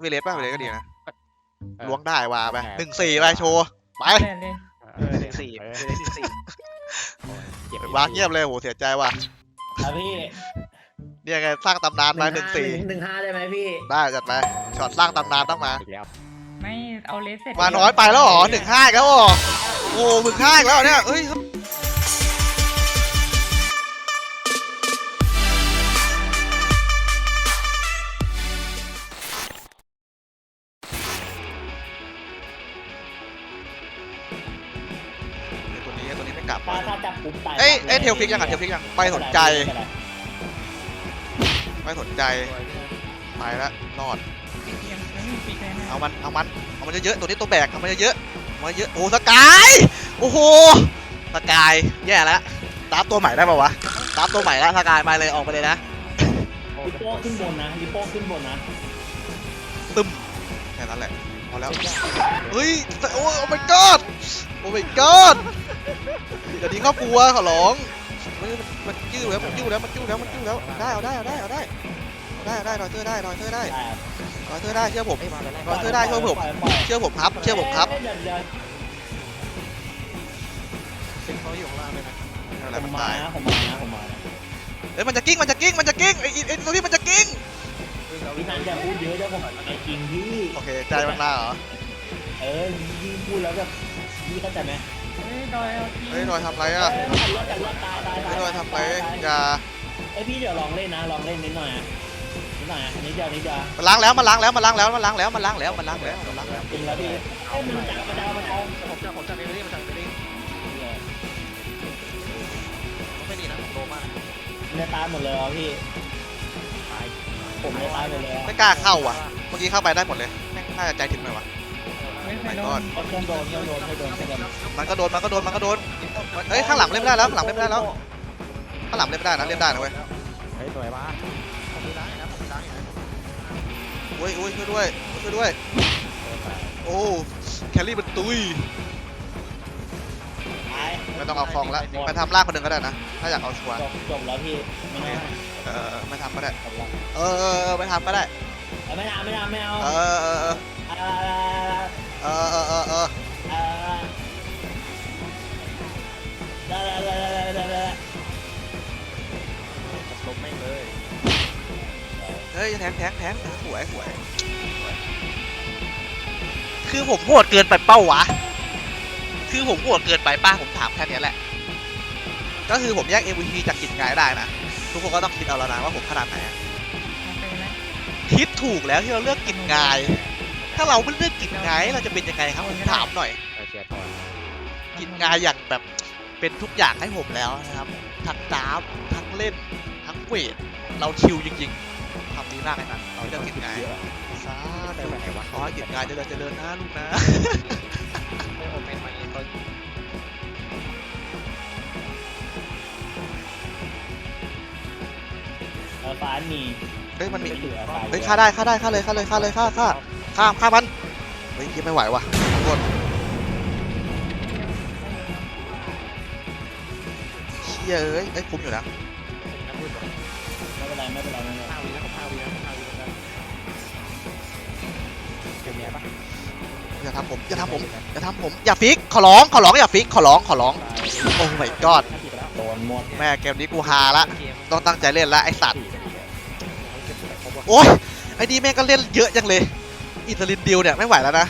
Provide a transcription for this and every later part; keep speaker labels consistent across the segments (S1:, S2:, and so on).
S1: เวเลสป่ะเวเลสก็ดีนะ
S2: เออ
S1: ล้วงได้ว่ะไป
S2: โอเค
S1: 1-4ไปโชว์ไป
S3: เล่นเลย
S4: 1-4เลย1-4
S2: เก็บ
S1: วางเงียบเลยโหเสียใจว่ะ
S5: ครับพี่
S1: เนี่ยไงสร้างตำนานมา1-4
S5: 1-5ได้ไหมพี่
S1: ได้จัดไปช็อตสร้างตำนานต้องมา
S2: อีกแล้ว
S3: ไม่เอาเลสเสร็จ
S1: มาน้อยไปแล้วเหรอ1-5อีกแล้วเหรอโอ้1-5อีกแล้วเนี่ยเอ้ยตัวนี้ไม่กลับ
S5: ถ้าจับปุ๊บตาย
S1: เอ้ยเทลฟิกยังอ่ะเทลฟิกยังไม่สนใจไม่สนใจไปแล้วรอด
S3: ปีกยังไม่มีปีกเลยนะ
S1: เอามันเยอะๆตัวนี้ตัวแบกเอามันเยอะๆมันเยอะโอ้สกายโอ้โหสกายแย่แล้วตามตัวใหม่ได้ป่าวะตามตัวใหม่แล้วสกายมาเลยออกไปเลยนะ
S5: ลิโป้ขึ้นบนนะลิโป้ขึ้นบนนะ
S1: ตึมแค่นั้นแหละพอแล้วเฮ้ยโอ้ my god โอ้ my god อย่าทิ้งครอบครัวขอร้องมันยืดแล้วมันยืดแล้วได้เอาได้รอยเธอได้รอยเธอได้เชื่อผม รอยเธอได้ช่วยผมเชื่อผมครับ
S4: เป็นเขาอยู่ข้างล่างเลยนะ
S1: อะไร
S5: ผ
S1: มัน
S5: มมา
S1: ตาย
S5: นะผมมานะ
S1: เอ้ยมันจะกิ้งไอ้ตัวนี้มันจะกิ้ง
S5: พี่นันอย่าพูดเยอะเดี๋ยวผมไอ้จริงพี่
S1: โอเคใจมันมาเหรอ
S5: ยิ่งพูดแล้วแบบพี่เข้าใจไหม
S3: เฮ้ยดอยเอาที
S1: เฮ้ยรอยทำไรอ่ะ
S5: จัดรถตาย
S1: เฮ้ยรอยทำไรอย่า
S5: ไอพี่เดี๋ยวลองเล่นนะลองเล่นนิดหน่อยนิดเดียว
S1: มันล้างแล้วจริงแล้วพี่
S5: จริงแล้วพี่มันเอา
S4: ผมจับเอเวอรี่มาจากเอเวอรี่ไม่ดีนะผมโลมาก
S5: เนื้อตายหมดเลยอ่ะพี่ผมเนื้อตายหมดเลย
S1: ไม่กล้าเข้าอ่ะเมื่อกี้เข้าไปได้หมดเลยแม่งน่าจะใจถึงหน่อยวะ
S3: ไม่เคยโดน
S5: เครื่องโดน
S1: มันก็โดนเฮ้ยข้างหลังเล่นไม่ได้แล้วข้างหลังเล่นไม่ได้นะเล่นได้นะเว้ย
S2: เฮ้ยสวยมาก
S4: ผมมีล้างนะผมมีล้างอยู่นะ
S1: อุ้ยช่วยด้วยโอ้แคลรี่มันตุยไม่ต้องเอาฟองแล้วไปทำลากคนหนึ่งก็ได้นะถ้าอยากเอาชัวร์
S5: จบแล้วพี่ไม่
S1: ไม่ทำก็ได้
S5: จบแล้ว
S1: ไม่ทำก็ได้
S5: ไม่เอา
S2: ลบแม่งเลย
S1: เฮ้ยแทงหวยคือผมโหดเกินไปเป้าวะคือผมโหดเกินไปป้าผมถามแค่นี้แหละก็คือผมแยก MVP จากกิจงายได้นะทุกคนก็ต้องคิดเอาแล้วนะว่าผมขนาดไหน
S3: โอเคนะ
S1: คิดถูกแล้วที่เราเลือกกิจงาย ถ้าเราไม่เลือกกิจงายเราจะเป็นยังไงครับผมถามหน่อย
S2: เชียร์ทอน
S1: กิจงายอย่างแบบเป็นทุกอย่างให้ผมแล้วนะครับทั้งดาฟทั้งเล่นทั้งเวทเราชิลจริงๆทำดีมากเลยนะเราเลือกกิจงายซา
S2: ได้
S1: ธุ
S2: แบบไหนวะ
S1: ขอให้กิจงายเจริญนะลูกนะ
S4: ไม่ผมเป็นมาเองก็
S5: ฟ้ามี
S1: เฮ้ยมันมี
S5: เหลือฟ้า
S1: เฮ้ยฆ่าเลยฆ่ามันเฮ้ยยังไม่ไหวว่ะทุกคนเชี่ยเอ้ยคุ้มอยู่นะ
S4: น้ำมืดหรอ
S5: ไม่เป็นไร
S4: 5 วิแล้วผม5 วิแล้วกัน
S2: เป็นไงปะ
S1: อย่าทำผมอย่าฟิกขอร้องอย่าฟิกขอร้องโอ้ my god
S5: โดนหมด
S1: แม่เกมนี้กูฮาละ
S4: เกม
S1: ต้องตั้งใจเล่นละไอสัตว์โอ้ยไอ้นี่แม่งก็เล่นเยอะจังเลยอิตาลินดิวเนี่ยไม่ไหวแล้วนะ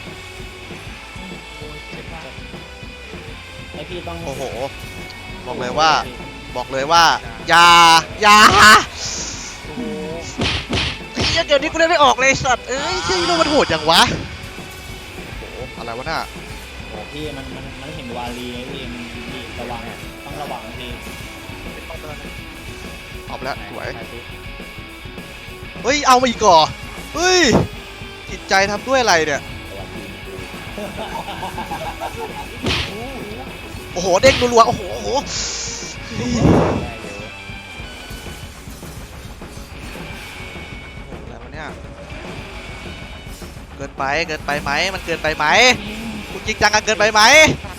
S5: ไอพี่ต้อง
S1: โอ้โหบอกเลยว่าอย่าโอ้โหไอ้เหี้ยเดี๋ยวนี้กูเล่นไม่ออกเลยสัตว์เอ้ยเชี่ยนี่มันโหดจังวะโอ้โหอะไรวะน่ะ
S5: โอ้พี่มันเห็นวาลีพี่ระวังต้องระวังพี่
S4: เป็นคอมเตอร์นะ
S1: เอาไปแล้วสวยเฮ้ยเอามาอีกก่อเฮ้ยจิตใจทำด้วยอะไรเนี่ยโอ้โหเด้งรัวๆโอ้โหอะไรวะเนี่ยเกินไปไหมมันเกินไปไหมคุณจริงจังกันเกินไปไหม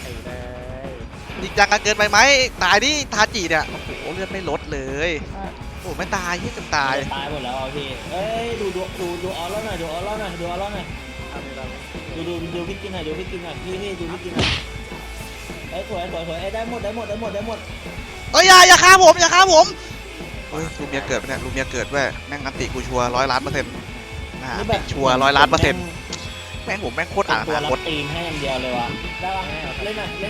S1: จริงจังกันเกินไปไหมตายดิทาจิเนี่ยโอ้โหเลือดไม่ลดเลยโอ้ไม่ตายที่จะตาย
S5: ตายหมดแล้วพี่เอ้ยดูออลแล้วหน่อยดูออลแล้วหน่อยดูออลแล้วหน่อย
S4: เอาไปเลย
S5: ดูพี่กินหน่อยดูพี่กินหน่อยพี่ดูพี่กินหน่อยเอ้ยสวยเอ้ยได้หมด
S1: เอ้ยอย่าฆ่าผมอย่าฆ่าผมเฮ้ยลูเมียเกิดปะเนี่ยลูเมียเกิดแว่แม่งอันติกูชัวร์100,000,000%นะชัวร์100,000,000%แม่งผมแม่งโคตรอ่าน
S5: ตัว
S1: อนา
S5: รั
S1: ค
S5: บ
S1: ต
S5: ตีนให้อย่างเดียวเลยวะได้ปะเล่นหน่อย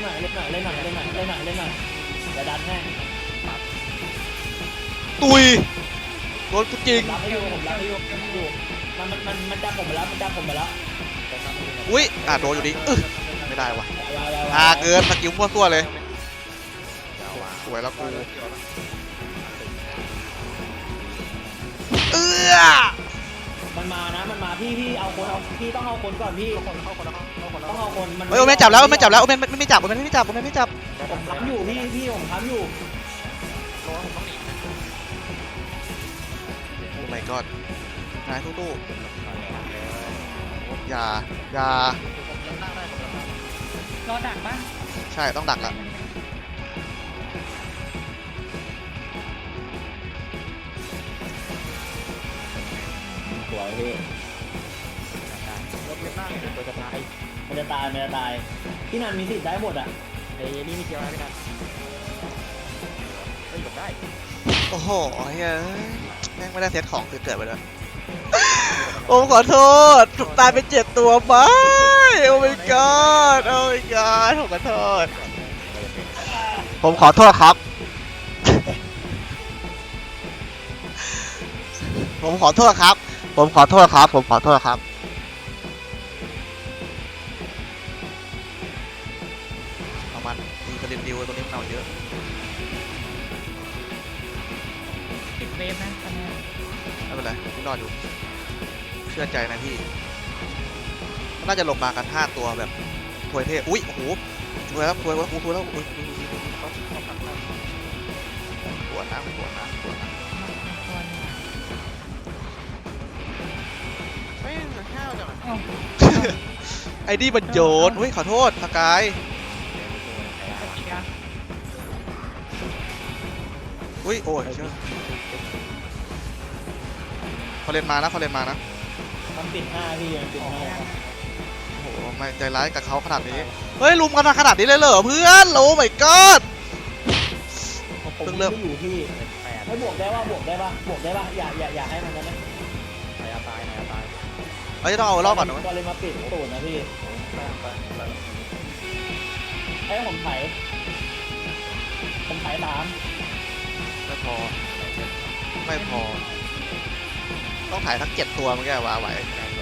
S5: จะดันให้
S1: ตุยโดนกูจริง
S5: รับให้อยู่มันจับผมไปแล้ว
S1: อุ้ยโดนอยู่ดิไม่ได้วะเกินสกิลมั่วซั่วเลยสวยแล้วกู
S5: มันมาพี่เอาคนพี่ต้องเอาคนก่อนพี่ต้องเอาคนมัน
S1: เฮ้ยโอเมนจับแล้วโอเมนจับแล้วโอเมนไม่จับ
S5: ผมทำอยู่พี่ผมทำอยู่
S4: โลผมต้องหนีนะ
S1: โอ้ my god นายตู้อย่า
S4: ผมยังนั่งได้ผมยังนั่ง
S3: รอดักปะ
S1: ใช่ต้องดักอะ
S5: สวยพี่
S4: รถเล็กนั่งเดี๋ยวตัวจะตาย
S5: มันจะตายพี่นันมีสิทธิ์ได้หมดอ่ะ
S4: ไอ้นี่มีเกียวนะพี่นัทเฮ้ยหลบได้
S1: โอ้โหเฮ้ยแม่งไม่ได้เซตของคือเกิดไปแล้วผมขอโทษถูกตายไป7 ตัวไปโอ้ my god โอ้ my god ผมขอโทษผมขอโทษครับ ผมขอโทษครับเอามันมีประเด็นดิวตัวนี้มันเอาเยอะ
S3: ติดเวฟนะตอนนี้
S1: ไม่เป็นไรพี่รอดอยู่เชื่อใจนะพี่มันน่าจะลงมากัน5 ตัวแบบถวยเทพอุ้ยโอ้โหถวยแล้วอุ้ยปวดนะ
S3: ตัวนี้
S4: เฮ้ยเหลือข้าวจังอะ
S3: เอ้า
S1: ไอ้นี่มันโยนอุ้ยขอโทษสกาย
S3: อีกแล้ว
S1: อุ้ยโอ้ยเชื่อเขาเล่นมานะ
S5: มันปิดหน้าพี่มันปิดหน้า
S1: โอ้โหไม่ใจร้ายกับเขาขนาดนี้เฮ้ยลุมกันมาขนาดนี้เลยเหรอเพื่อนโอ้ my god
S5: ผมไม่อยู่พี่ให้บวกได้ป่ะอย่าให้มันนะ
S4: นายตาย
S1: เฮ้ยต้องเอารอบก่อนนะ
S5: ก็เลยมาปิดตูดนะพี่ให้ผมไถ3
S1: ไม่พอต้องถ่ายทั้ง7 ตัวมันแกว่าไหว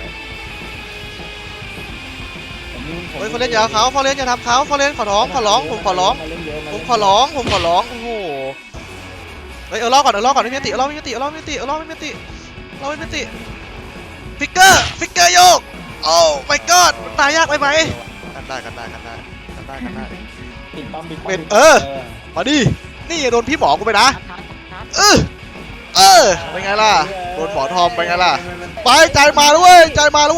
S1: เฮ้ยเขาเล่นยาเขาเล่นอย่าทำเขาเล่นขอร้องผมขอร้องโอ้โหเฮ้ยรอบก่อนไม่มีติฟิกเกอร์โยกโอ้ my god ตายยากไปไหมกันได้
S5: ปิดปั๊ม
S1: มาดินี่โดนพี่หมอกูไปนะเป็นไงล่ะโดนหมอทอมเป็นไงล่ะไปใจมาแล้วเว้ย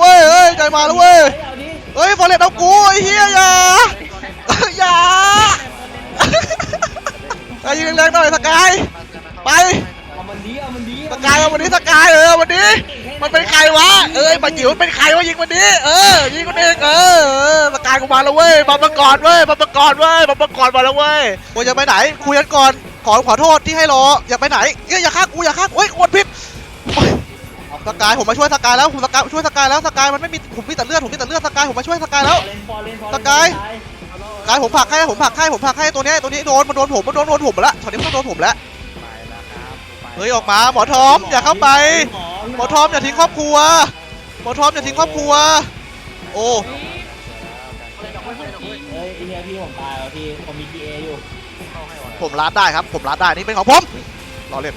S1: เฮ้ยฟอร์เรสเอากูไอ้เหี้ยอย่ายิงแรงๆหน่อยสกายไป
S5: เอามันดี
S1: สกายเอาวันนี้สกายวันนี้มันเป็นใครวะปะจิ๋วเป็นใครวะยิงวันนี้ยิงคนเองสกายกูมาแล้วเว้ยบัมก่อนมาแล้วเว้ยกูจะไปไหนคุยกันก่อนขอโทษที่ให้รออย่าไปไหนอย่าฆ่ากูเฮ้ยกดผิดสกายผมมาช่วยสกายแล้วผมช่วยสกายแล้วสกายมันไม่มีผมมีแต่เลือดสกายผมมาช่วยสกายแล้วสกายผมผลักให้ตัวนี้โดนผมมาแล้วตอนนี้มันต้องโดนผมแล้ว
S4: ไปแล้วครับ
S1: เฮ้ยออกมาหมอทอมอย่าเข้าไปหมอทอมอย่าทิ้งครอบครัวโอ้
S5: เฮ้ยไอ้เหี้ยพี่ผมตายแล้วพี่ผมมี GA อยู่
S1: ผมรัดได้ครับนี่เป็นของผมรอเล่น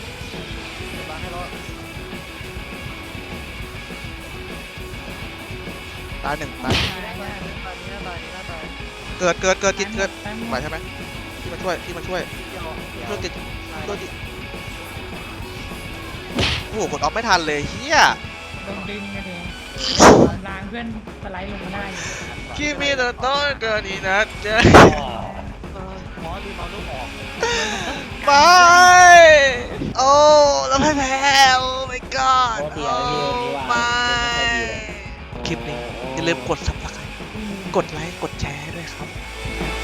S1: ตาย 1เกิดกินไหวใช่ไหมที่มาช่วยกินโอ้โหกดออฟไม่ทันเลยเฮีย
S3: โดนดึงกันเองล้างเพื่อนสไลด์ลงมาได้อยู่
S1: คิมิโนโตะเกินอีนัทเจ
S4: หมอลืมเอาลูกออก
S1: ไปโอ้แล้วแพ้โอ้ my god
S5: โทษทีนะพี่วันนี้ว่า
S1: ไม่
S5: ไม่ค่อยดีเลย
S1: คลิปนี้อย่าลืมกด subscribe กดไลค์กดแชร์ด้วยครับ